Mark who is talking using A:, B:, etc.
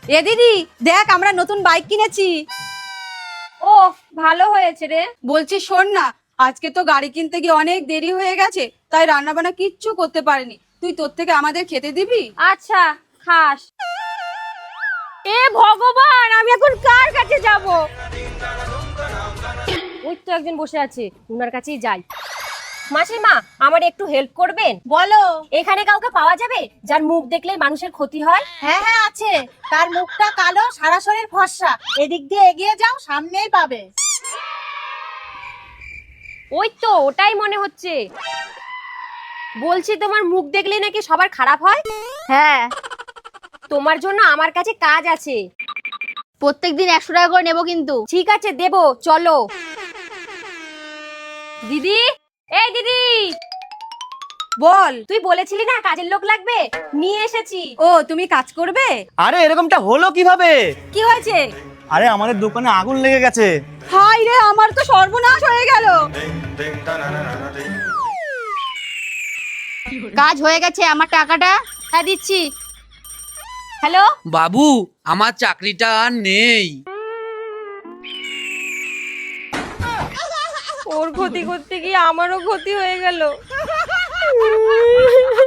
A: এ দিদি দেখ আমরা নতুন বাইক কিনেছি।
B: ও ভালো হয়েছে রে।
A: বলছি শোন না, আজকে তো গাড়ি কিনতে গিয়ে অনেক দেরি হয়ে গেছে, তাই রান্না বান্না কিচ্ছু করতে পারিনি। তুই তোর থেকে আমাদের খেতে দিবি?
B: আচ্ছা খাস। এ ভগবান, আমি এখন কার কাছে যাব? ওই তো একজন বসে আছে, ওনার কাছেই যাই। মাসিমা, আমার একটু হেল্প করবেন?
C: বলো।
B: এখানে কাউকে পাওয়া যাবে যার মুখ দেখলে মানুষের ক্ষতি হয়?
C: হ্যাঁ হ্যাঁ আছে, তার মুখটা কালো, সারা শরীর ফর্সা। এদিক দিয়ে এগিয়ে যাও, সামনেই পাবে।
B: ওই তো ওটাই মনে হচ্ছে। বলছি তোমার মুখ দেখলে নাকি সবার খারাপ হয়?
D: হ্যাঁ,
B: তোমার জন্য আমার কাছে কাজ আছে।
D: প্রত্যেকদিন 100 টাকা করে নেবো কিন্তু।
B: ঠিক আছে দেবো, চলো। দিদি, এই দিদি,
A: বল।
B: তুই বলেছিলি না কাজের লোক লাগবে, নিয়ে এসেছি।
A: ও তুমি কাজ করবে?
E: আরে এরকমটা হলো কিভাবে?
A: কি হয়েছে?
E: আরে আমাদের দোকানে আগুন লেগে গেছে।
A: হাই রে, আমার তো সর্বনাশ হয়ে গেল।
D: কাজ হয়ে গেছে, আমার টাকাটা।
B: হ্যাঁ দিচ্ছি। হ্যালো
F: বাবু, আমার চাকরিটা আর নেই।
B: ওর ক্ষতি করতে গিয়ে আমারও ক্ষতি হয়ে গেল।